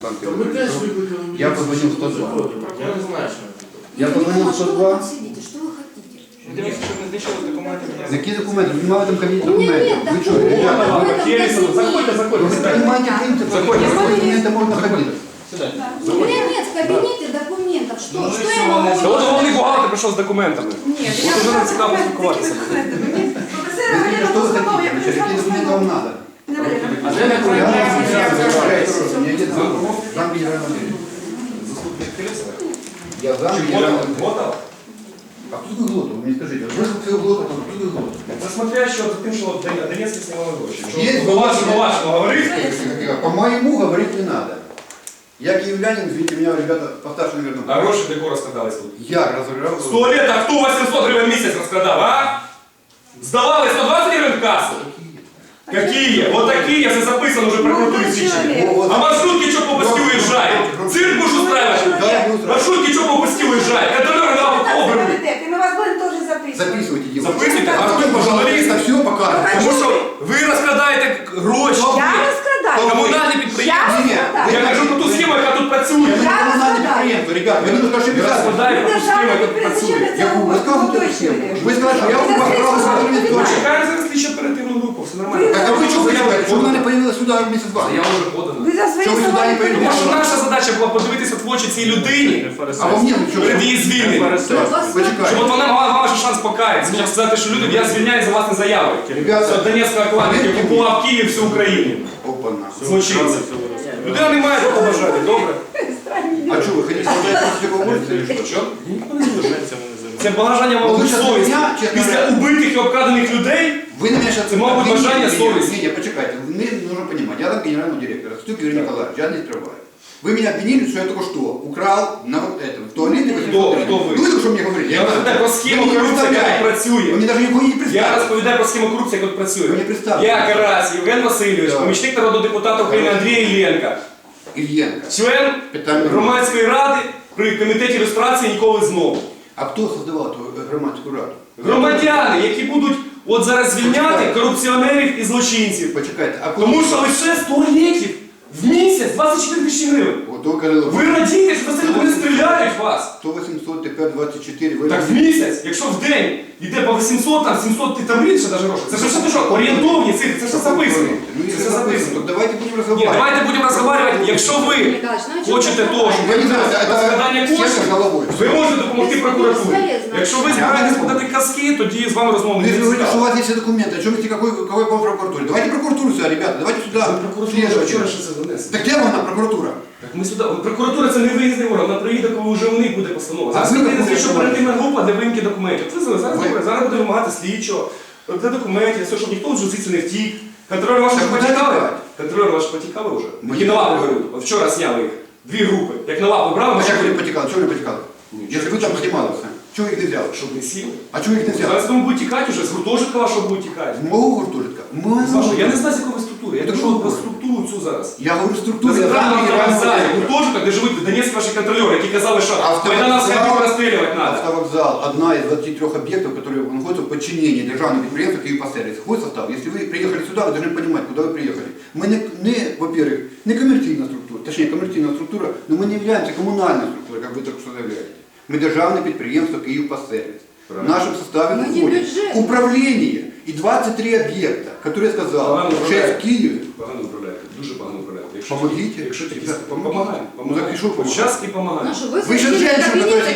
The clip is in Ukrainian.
Я позвонил в 102. Я не знаю, що це. Я позвонил в 102. Что вы хотите? Дивіться, щоб не знищили документи. Какие документы? Вы не в этом кабинете У меня документы. нет Вы что, документов. ребята? Заходите, заходите. Вы понимаете принцип? Заходите. Документы можно ходить. У меня нет в кабинете документов. Что я могу? Та от головний бухгалтер прийшов з документами. Нет, От уже нам цікаво спілкуватися. Вы скажите, что вы хотите? Вообще, какие документы вам надо? А де не Я меня нет зам генерального директора. Заступник керівника. Я зам Чи генерального директора. Готов? А кто такой Глотов? Вы мне скажите. Вы свою Глотов, а кто такой Глотов? Це смотрящий за тим, що Донецький знімали гроші. Є По-вашому говорити? По моему говорить не надо. Я киевлянин, извините меня, ребята, постарше, наверное. А гроші для кого розкрадались тут? Я разыграл. З туалета хто 800 гривень в місяць розкрадав, а? Здавали 120 гривень в касу? Какие? Вот такие, если записано уже в прокуратуре свідчення. А маршрутки что по Паске уезжают? Цирк будешь устраивать? Маршрутки что по Паске уезжают? Контролеры на обрывы. И мы вас будем тоже записывать. Записывайте, девушка. Записуйте? А кто, пожалуйста, все покажет. Тому що ви розкрадаєте гроші. Я розкрадаю. Комунальні підприємства. Ні, Я кажу про ту схему, яка тут працює. Вы не коммунальный предприятие, ребята, вы немножко Я ошибались. розкладаю про ту схему, яка тут працює. Я вам рассказываю эту схему. Вы сказали, что я вам право скажу точно. Чекаємо зараз слідчо оперативну групу, все нормально. Так а вы что хотите? Что она не появилась сюда вместе с вами? Я вже подана. Ви за свої Що ви слова сюди не не прийдете? Тому що прийдете. наша задача була подивитися в очі цій людині А во мне ну что? перед її звільненням. Почекайте. Щоб от вона мала ваш шанс покаятися. Щоб сказати, що люди, я звільняю за власне заяви. Ребята, Донецького клану, який окупував Київ всю Україну. Опа-на. Злочинці. Людина не має такого бажання, добре? А что, вы хотите сказать, что такого можете или что? Що? Ніхто не залишається. Це бажання Ну, ви мабуть щас совісті. мене, чесно Після говоря. убитих і обкрадених людей Вы на меня сейчас... Это могут бажание совести. Не, почекайте. Мне нужно понимать. Я там генерального директора, Стюк Юрий Николаевич, я не скрываю. Вы меня обвинили, что я только что украл на вот этом, в туалете. Кто вы? Ну, это что мне говорили? Я розповідаю про схему корупції, яка тут Вы працює. мне даже никого не Я представили. розповідаю про схему корупції, яка тут працює. Ви не представили. Я Карась, Євген Васильович, Так. помічник народного депутата України Андрій Іллєнка, Ильенко. член Питання. громадської ради при комітеті ілюстрації «Ніколи знову». А кто создавал эту громадскую раду? Громадяни, які будуть от зараз звільняти корупціонерів і злочинців. Почекайте, а Тому що лише з туалетів в місяць 24 тисячі гривень. Вот только Ви радієте, що це люди не стріляють в вас. 100, 800, тепер 24. Ви Так в місяць, якщо в день йде по 800, там 700, ти там більше навіть грошей. Це ж все що, орієнтовні цифри, це ж все записано. Ну, Це если все записано, записано. то давайте будем Ні, разговаривать. давайте будемо розмовляти, якщо ви хочете того, щоб Я не знаю, розкрадання это коштів, сердце головой. ви можете допомогти прокуратурі. Безполезно. Якщо ви збираєтесь подати казки, тоді з вами розмову Ну, не если вы говорите, что у цікаво. вас есть все документы, о чем вы какой по прокуратуре? Давайте прокуратуру сюда, ребята, давайте сюда. Вчора ще це донесли. Так где вона прокуратура? Так ми сюди. Прокуратура це не виїзний орган, вона приїде, коли вже у них буде постанова. Зараз А ви приїде як слідчо будете оперативна група для вимки документів. Це зараз Ви- добре, зараз буде вимагати слідчого, для документів, все, щоб ніхто вже звідси не втік. Контролер ваш Так вже куди потікали? тікати? Контролер ваш потікали вже? Ми Які на лапу тікали. беруть. От вчора зняли їх. Дві групи. Як на лапу брали, А ми как ще вы потекали? Чего вы потекали? Если вы там снимались, чего их не взяли? щоб не сіли. А чего их не взяли? Зараз тому будуть тікати вже, з гуртожитка вашого будуть тікати. З мого гуртожитка? З вашого. Я не знаю, з якої ви структури. Я Так кажу що про ви? структуру цю зараз. Я говорю Ви структуру. я забрали там генерального вокзалі, директора. гуртожиток, де живуть донецькі ваші контролери, які казали, що майдановських розстрілювати треба. Автовокзал – одна из 23 объектов, которые находятся в подчинении державного предприятия Київпостсервіс. Вход в состав. Если вы приехали сюда, вы должны понимать, куда вы приехали. Мы не во-первых, не коммерційна структура, точнее коммерційна структура, но мы не являемся коммунальной структурой, как вы только что заявляете. Мы державное предприятие Київпостсервіс. В нашем составе Мы не входит бюджет. управление и 23 объекта, которые я сказал, Погано 6 в управляєте. Киеве. Погано управляєте, дуже погано управляєте. Помогите. Якщо такі Ребята, помагаємо. Ну, так і що помагати? Час і помагаємо. Ну, что, вы Вы же сидите в женщина, кабинете, которая